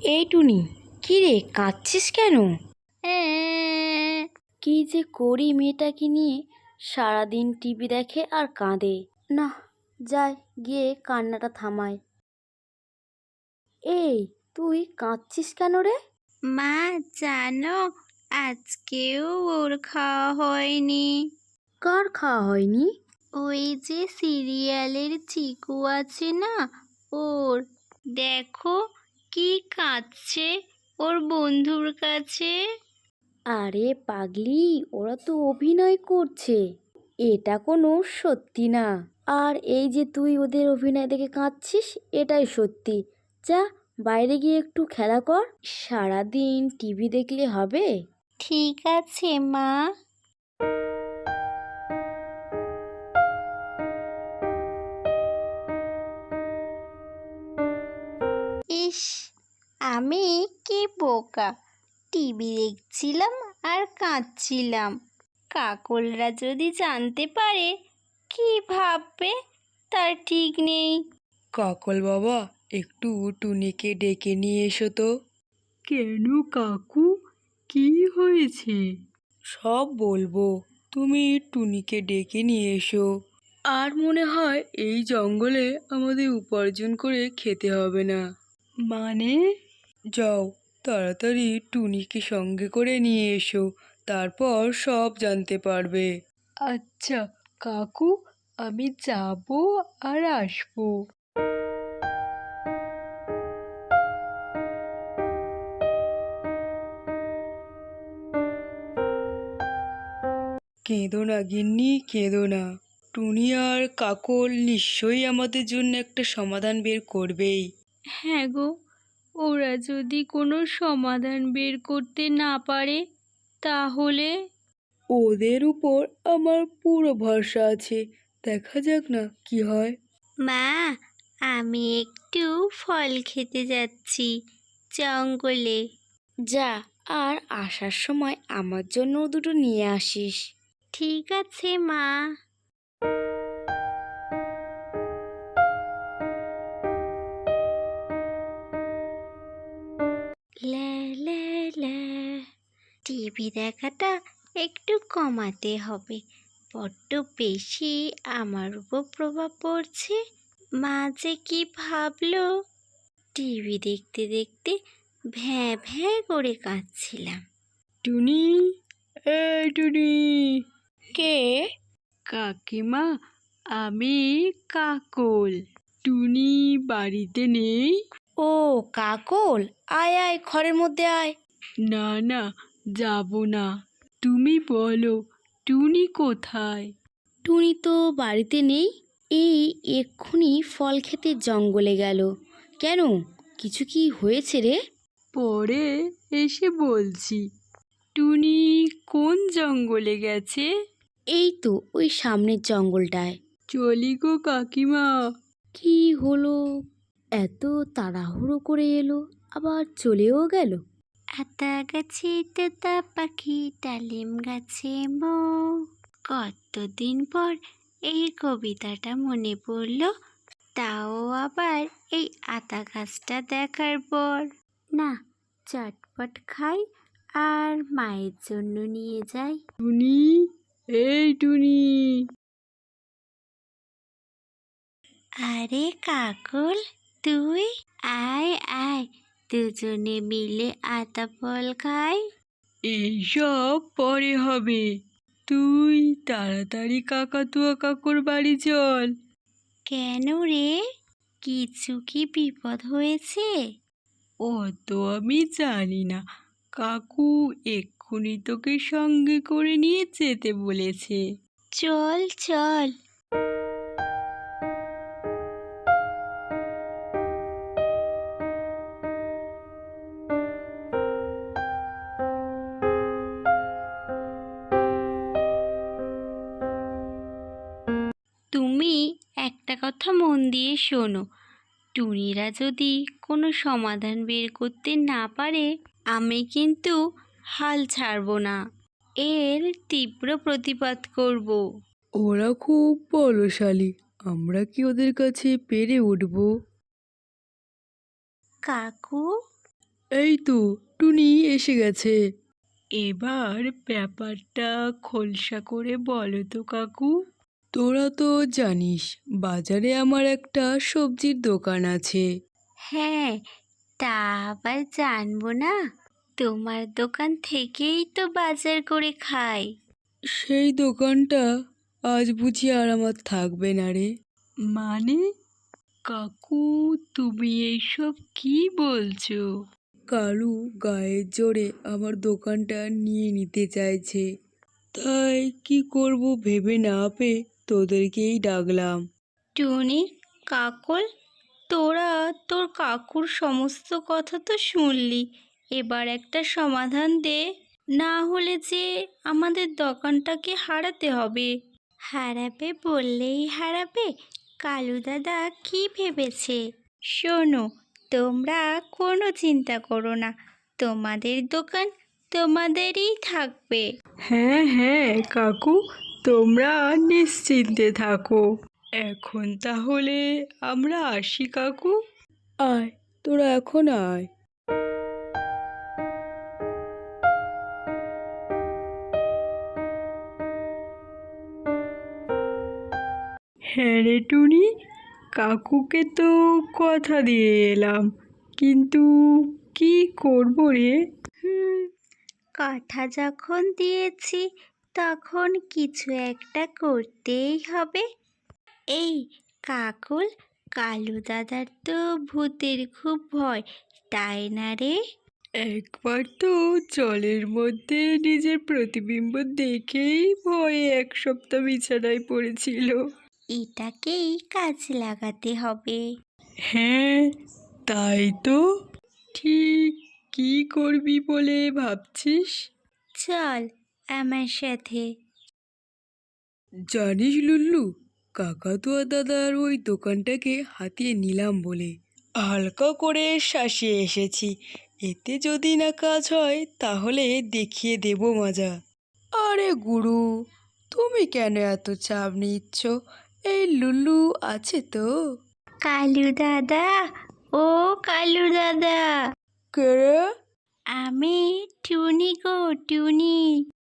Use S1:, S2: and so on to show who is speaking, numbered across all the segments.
S1: এই টুনি, কি রে কাঁদছিস কেন?
S2: হ্যাঁ।
S1: কি যে করি মেয়েটাকে নিয়ে, সারাদিন টিভি দেখে আর কাঁদে। না, যাই গিয়ে কান্নাটা থামায়। এই, তুই কাঁদছিস কেন রে?
S2: মা, জানো আজকেও ওর খাওয়া হয়নি।
S1: কার খাওয়া হয়নি?
S2: ওই যে সিরিয়ালের চিকু আছে না, ওর। দেখো কি কাঁদছে ওর বন্ধুর কাছে।
S1: আরে পাগলি, ওরা তো অভিনয় করছে, এটা কোনো সত্যি না। আর এই যে তুই ওদের অভিনয় দেখে কাঁদছিস, এটাই সত্যি। যা, বাইরে গিয়ে একটু খেলা কর। সারাদিন টিভি দেখলে হবে?
S2: ঠিক আছে মা। ইস, আমি কি বোকা, টিভি দেখছিলাম আর কাঁদছিলাম। কাকলরা যদি জানতে পারে কি ভাববে তার ঠিক নেই।
S3: কাকল বাবা, একটু টুনিকে ডেকে নিয়ে এসো তো। কেন কাকু, কি হয়েছে? সব বলবো, তুমি টুনিকে ডেকে নিয়ে এসো। আর মনে হয় এই জঙ্গলে আমাদের উপার্জন করে খেতে হবে না। মানে? যাও, তাড়াতাড়ি টুনিকে সঙ্গে করে নিয়ে এসো, তারপর সব জানতে পারবে। আচ্ছা কাকু, আমি যাব আর আসবো। কেঁদো না গিন্নি, কেঁদো না। টুনি আর কাকল নিশ্চয়ই আমাদের জন্য একটা সমাধান বের করবেই।
S2: হ্যাঁ গো, ওরা যদি কোনো সমাধান বের করতে না পারে তাহলে?
S3: ওদের উপর আমার পুরো ভরসা আছে, দেখা যাক না কি হয়।
S2: মা, আমি একটু ফল খেতে যাচ্ছি জঙ্গলে।
S1: যা, আর আসার সময় আমার জন্য দুটো নিয়ে আসিস।
S2: ঠিক আছে মা। লা লা লা, টিভি দেখাটা একটু কমাতে হবে, বড্ড বেশি আমার উপর প্রভাব পড়ছে। মা যে কি ভাবলো। টিভি দেখতে দেখতে ভ্যাঁ ভ্যাঁ করে কাঁদছিলাম।
S3: টুনি, এই টুনি।
S1: কে?
S3: কাকিমা, আমি কাকল। টুনি বাড়িতে নেই?
S1: ও কাকল, আয় আয়, ঘরের মধ্যে আয়।
S3: না না, যাব না। তুমি বলো, টুনি কোথায়?
S1: টুনি তো বাড়িতে নেই, এই এক্ষুনি ফল খেতে জঙ্গলে গেল। কেন, কিছু কি হয়েছে রে?
S3: পরে এসে বলছি। টুনি কোন জঙ্গলে গেছে?
S1: এই তো ওই সামনের জঙ্গলটায়।
S3: চলি গো কাকিমা।
S1: কি হলো, এত তাড়াহুড়ো করে এলো, আবার চলেও গেল?
S2: আতা গাছে তোতা পাখি, ডালিম গাছে মৌ। কতদিন পর এই কবিতাটা মনে পড়লো, তাও আবার এই আতা গাছটা দেখার পর। না, চটপট খাই আর মায়ের জন্য নিয়ে যাই।
S3: টুনি, এই টুনি।
S2: আরে কাকল, তুই? আয় আয়, দুজনে মিলে আতা ফল খাই।
S3: এইসব পরে হবে, তুই তাড়াতাড়ি কাকাতুয়া কাকুর বাড়ি চল।
S2: কেন রে, কিছু কি বিপদ হয়েছে?
S3: ও তো আমি জানি না, কাকু এক্ষুনি তোকে সঙ্গে করে নিয়ে যেতে বলেছে।
S2: চল চল। তুমি একটা কথা মন দিয়ে শোনো, টুনিরা যদি কোনো সমাধান বের করতে না পারে, আমি কিন্তু হাল ছাড়বো না, এর তীব্র প্রতিবাদ করব।
S3: ওরা খুব বলশালী, আমরা কি ওদের কাছে পেরে উঠবো?
S2: কাকু,
S3: এই তো টুনি এসে গেছে। এবার ব্যাপারটা খোলসা করে বলো তো কাকু। তোরা তো জানিস বাজারে আমার একটা সবজির দোকান আছে।
S2: হ্যাঁ, তা আবার জানবো না? তোমার দোকান থেকেই তো বাজার করে খাই।
S3: সেই দোকানটা আজ বুঝি আর আমার থাকবে না রে। মানে কাকু, তুমি এইসব কি বলছো? কালু গায়ের জোরে আমার দোকানটা নিয়ে নিতে চাইছে, তাই কি করব ভেবে না পেয়ে তোদেরকেই ডাকলাম।
S2: টুনি, কাকল, তোরা তোর কাকুর সমস্ত কথা তো শুনলি, এবার একটা সমাধান দে, না হলে যে আমাদের দোকানটাকে হারাতে হবে। হারাবে বললেই হারাবে? কালু দাদা কি ভেবেছে? শোনো, তোমরা কোনো চিন্তা করো না, তোমাদের দোকান তোমাদেরই থাকবে।
S3: হ্যাঁ হ্যাঁ কাকু, তোমরা নিশ্চিন্তে থাকো। এখন তাহলে আমরা আসি কাকু। আয়, তোরা এখন আয়। হ্যাঁ রে টুনি, কাকুকে তো কথা দিয়ে এলাম, কিন্তু কি করব রে?
S2: হুম, কথা যখন দিয়েছি তখন কিছু একটা করতেই হবে। এই কাকুল, কালু দাদার তো ভূতের খুব ভয়, তাই না রে?
S3: একবার তো জলের মধ্যে নিজের প্রতিবিম্ব দেখেই ভয়ে এক সপ্তাহ বিছানায় পড়েছিল।
S2: এটাকেই কাজে লাগাতে হবে।
S3: হ্যাঁ, তাই তো। ঠিক কি করবি বলে ভাবছিস?
S2: চল আমার সাথে।
S3: জানিস লুল্লু, কাকাতুয়া দাদার ওই দোকানটাকে হাতিয়ে নিলাম বলে হালকা করে শাসিয়ে এসেছি। এতে যদি না কাজ হয় তাহলে দেখিয়ে দেব মজা। আরে গুরু, তুমি কেন এত চাপ নিচ্ছ? এই লুল্লু আছে তো।
S2: কালু দাদা, ও কালু দাদা,
S3: কে রে?
S2: আমি টুনি গো, টুনি।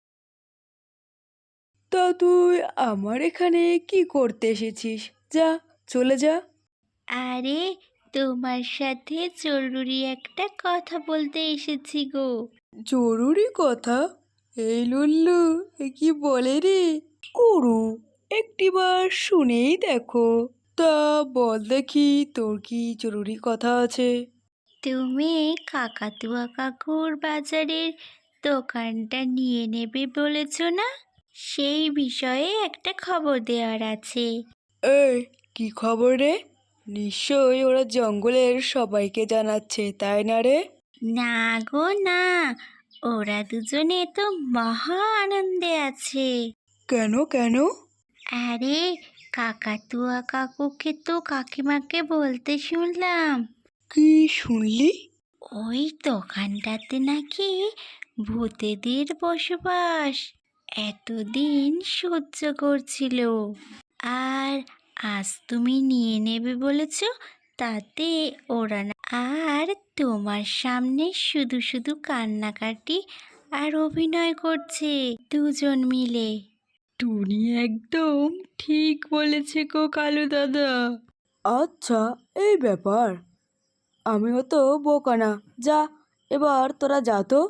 S3: তা তুই আমার এখানে কি করতে এসেছিস? যা, চলে যা।
S2: আরে, তোমার সাথে জরুরি একটা কথা বলতে এসেছি গো।
S3: জরুরি কথা? এই লুল্লু এ কি বলে রে? গুরু, একটিবার শুনেই দেখো। তা বল দেখি, তোর কি জরুরি কথা আছে?
S2: তুমি কাকাতুয়া কাকুর বাজারের দোকানটা নিয়ে নেবে বলেছ না? সেই বিষয়ে একটা খবর দেওয়ার আছে।
S3: এই, কি খবর রে? নিশ্চয়ই ওরা জঙ্গলের সবাইকে জানাচ্ছে, তাই না রে?
S2: না গো না, ওরা দুজনে তো মহা আনন্দে আছে।
S3: কেন কেন?
S2: আরে, কাকাতুয়া কাকুকে তো কাকিমাকে বলতে শুনলাম,
S3: কি শুনলি?
S2: ওই দোকানটাতে নাকি ভূতেদের বসবাস। এতদিন সহ্য করছিল, আর আজ তুমি নিয়ে নেবে বলেছ, তাতে ওরা না আর তোমার সামনে শুধু শুধু কান্নাকাটি আর অভিনয় করছে দুজন মিলে।
S3: টুনি একদম ঠিক বলেছে গো কালু দাদা। আচ্ছা, এই ব্যাপার। আমিও তো বোকা না। যা, এবার তোরা যা তো।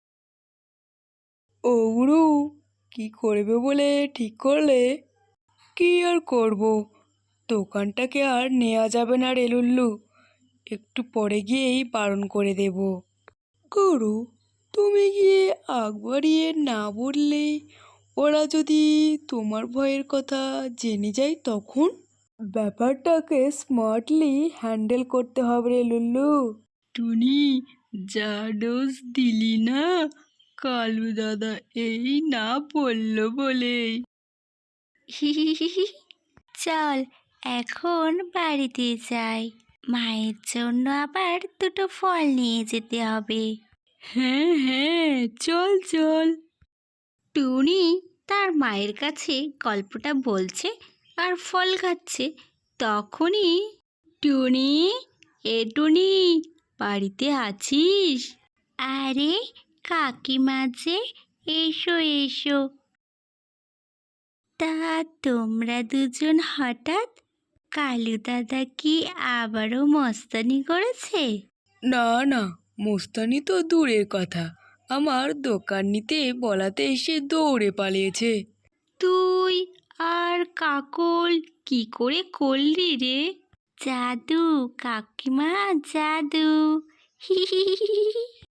S3: ও গুরু, কি করবে বলে ঠিক করলে? কি আর করব, দোকানটাকে আর নেওয়া যাবে না রে লুল্লু। একটু পরে গিয়েই বারণ করে দেব। গুরু, তুমি গিয়ে আগ বাড়িয়ে না বললে ওরা যদি তোমার ভয়ের কথা জেনে যায় তখন? ব্যাপারটাকে স্মার্টলি হ্যান্ডেল করতে হবে রে লুল্লু। টুনি, যা ডোজ দিলি না, কালু দাদা এই না বললো বলেই।
S2: চল এখন বাড়িতে যাই, মায়ের জন্য আবার দুটো ফল নিয়ে যেতে হবে।
S3: হ্যাঁ হ্যাঁ, চল চল।
S2: টুনি তার মায়ের কাছে গল্পটা বলছে আর ফল খাচ্ছে, তখনই টুনি, এ টুনি, বাড়িতে আছিস? আরে কাকিমা যে, এসো এসো। তা তোমরা দুজন হঠাৎ, কালু দাদা কি আবারও মস্তানি করেছে?
S3: না না, মোস্তানি তো দূরের কথা, আমার দোকান নিতে বলাতে এসে দৌড়ে পালিয়েছে।
S2: তুই আর কাকল কি করে করলি রে? জাদু কাকিমা, জাদু। হি হি হি হি হি।